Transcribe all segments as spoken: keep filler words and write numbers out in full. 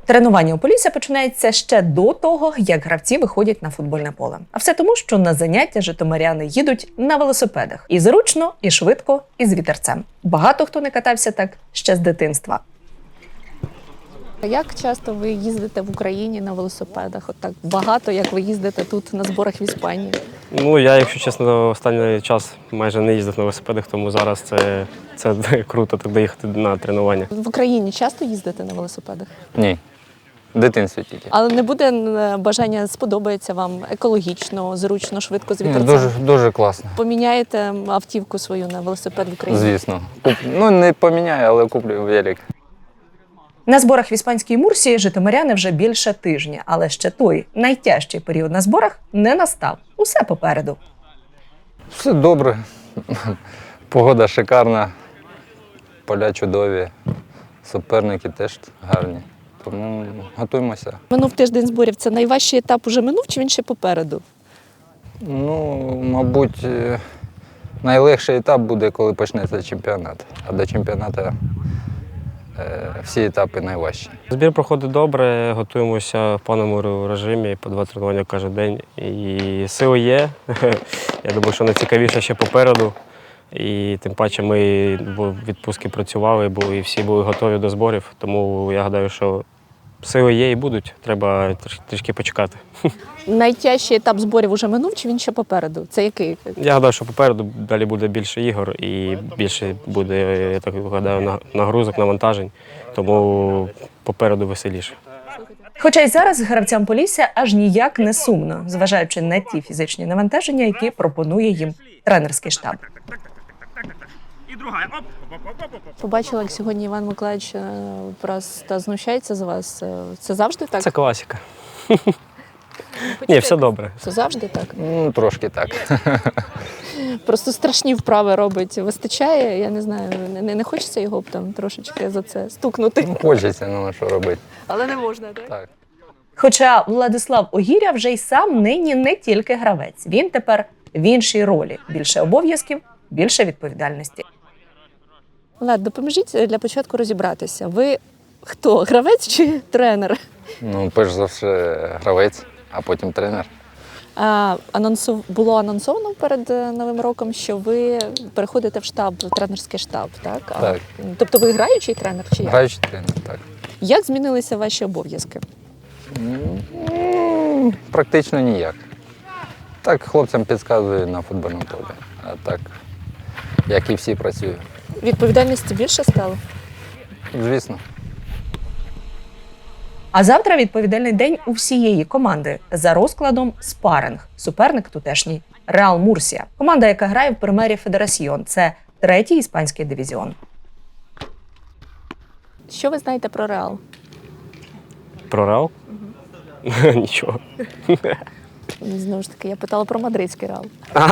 Тренування у Полісся починається ще до того, як гравці виходять на футбольне поле. А все тому, що на заняття житомиряни їдуть на велосипедах. І зручно, і швидко, і з вітерцем. Багато хто не катався так ще з дитинства. Як часто ви їздите в Україні на велосипедах? От так багато, як ви їздите тут на зборах в Іспанії? Ну, я, якщо чесно, останній час майже не їздив на велосипедах, тому зараз це, це круто так доїхати на тренування. В Україні часто їздите на велосипедах? Ні. В дитинстві тільки. Але не буде бажання, сподобається вам екологічно, зручно, швидко з Ні, вітерцем? дуже, дуже класно. Поміняєте автівку свою на велосипед в Україні? Звісно. Куп... Ну, не поміняю, але куплю велик. На зборах в іспанській Мурсії житомиряни вже більше тижня, але ще той найтяжчий період на зборах не настав. Усе попереду. Все добре. Погода шикарна, поля чудові, суперники теж гарні. Тому готуємося. Минув тиждень зборів. Це найважчий етап уже минув, чи він ще попереду? Ну, мабуть, найлегший етап буде, коли почнеться чемпіонат. А до чемпіонату е, всі етапи найважчі. Збір проходить добре, готуємося в повному режимі, по два тренування кожен день. І сили є. Я думаю, що найцікавіше ще попереду. І тим паче ми в відпустці працювали, і всі були готові до зборів. Тому я гадаю, що сили є і будуть. Треба трішки почекати. Найтяжчий етап зборів уже минув, чи він ще попереду? Це який? Я гадаю, що попереду далі буде більше ігор і більше буде, я так гадаю, нагрузок, навантажень. Тому попереду веселіше. Хоча й зараз гравцям Полісся аж ніяк не сумно, зважаючи на ті фізичні навантаження, які пропонує їм тренерський штаб. Побачила, як сьогодні Іван Миколаївич е, просто знущається з вас. Е, Це завжди так? Це класика. Ні, все добре. Це завжди так? Ну, трошки так. Просто страшні вправи робить. Вистачає, я не знаю, не, не хочеться його б там трошечки за це стукнути. Ну, хочеться, ну що робити. Але не можна, так? Так. Хоча Владислав Огіря вже й сам нині не тільки гравець. Він тепер в іншій ролі. Більше обов'язків, більше відповідальності. Влад, допоможіть для початку розібратися. Ви хто, гравець чи тренер? Ну, перш за все, гравець, а потім тренер. А, анонсу... Було анонсовано перед е, Новим роком, що ви переходите в штаб, в тренерський штаб, так? А, Так. Тобто ви граючий тренер чи як? Граючий тренер, так. Як змінилися ваші обов'язки? Ну, практично ніяк. Так, хлопцям підказую на футбольному полі. А так, як і всі працюю. Відповідальності більше стало? Звісно. А завтра відповідальний день у всієї команди. За розкладом спаринг. Суперник тутешній – Реал Мурсія. Команда, яка грає в Примері Федерасьйон. Це третій іспанський дивізіон. Що ви знаєте про Реал? Про Реал? Угу. Нічого. Знову ж таки, я питала про мадридський Реал.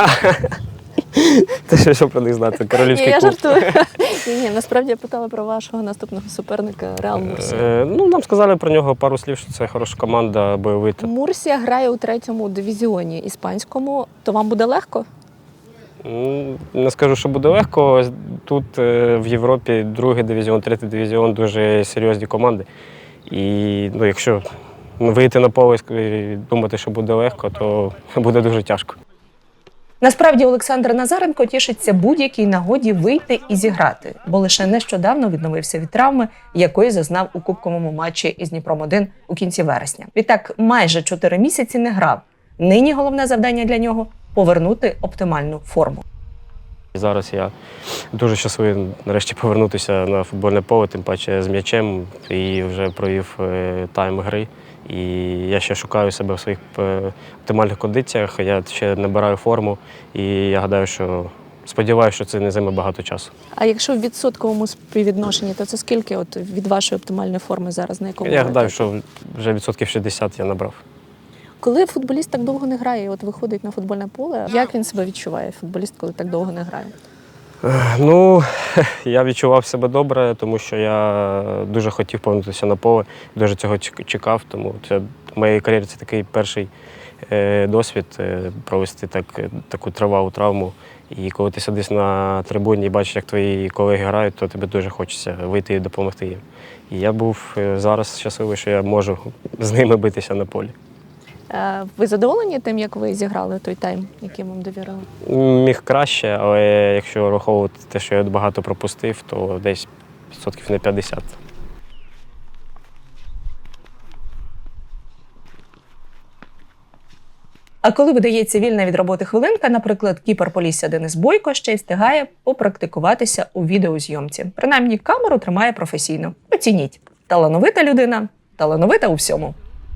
Ти що, що про них знати? Королівський Ні, я клуб. жартую. Ні, ні, насправді я питала про вашого наступного суперника Реал Мурсія. Е, ну, нам сказали про нього пару слів, що це хороша команда, бойовита. Мурсія грає у третьому дивізіоні іспанському. То вам буде легко? Ну, не скажу, що буде легко. Тут е, в Європі другий дивізіон, третій дивізіон дуже серйозні команди. І ну, якщо вийти на поле і думати, що буде легко, то буде дуже тяжко. Насправді Олександр Назаренко тішиться будь-якій нагоді вийти і зіграти, бо лише нещодавно відновився від травми, якої зазнав у кубковому матчі із Дніпром один у кінці вересня. Відтак майже чотири місяці не грав. Нині головне завдання для нього – повернути оптимальну форму. Зараз я дуже щасливий нарешті повернутися на футбольне поле, тим паче з м'ячем, і вже провів тайм гри. І я ще шукаю себе в своїх оптимальних кондиціях, я ще набираю форму, і я гадаю, що сподіваюся, що це не займе багато часу. А якщо в відсотковому співвідношенні, то це скільки от від вашої оптимальної форми зараз, на якому? Я гадаю, що вже відсотків шістдесят я набрав. Коли футболіст так довго не грає, от виходить на футбольне поле, як він себе відчуває, футболіст, коли так довго не грає? Ну, я відчував себе добре, тому що я дуже хотів повернутися на поле, дуже цього чекав, тому це в моїй кар'єрі це такий перший е, досвід е, провести так, таку тривалу травму. І коли ти сидиш на трибуні і бачиш, як твої колеги грають, то тобі дуже хочеться вийти і допомогти їм. І я був е, зараз щасливий, що я можу з ними битися на полі. Е, Ви задоволені тим, як ви зіграли той тайм, який вам довірили? Міг краще, але якщо враховувати те, що я багато пропустив, то десь відсотків на п'ятдесят. А коли видається вільна від роботи хвилинка, наприклад, кіпер Полісся Денис Бойко ще й встигає попрактикуватися у відеозйомці. Принаймні, камеру тримає професійно. Оцініть. Талановита людина, талановита у всьому.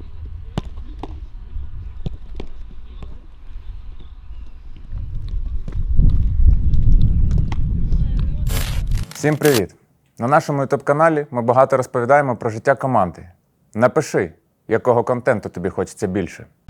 Всім привіт! На нашому ютуб-каналі ми багато розповідаємо про життя команди. Напиши, якого контенту тобі хочеться більше.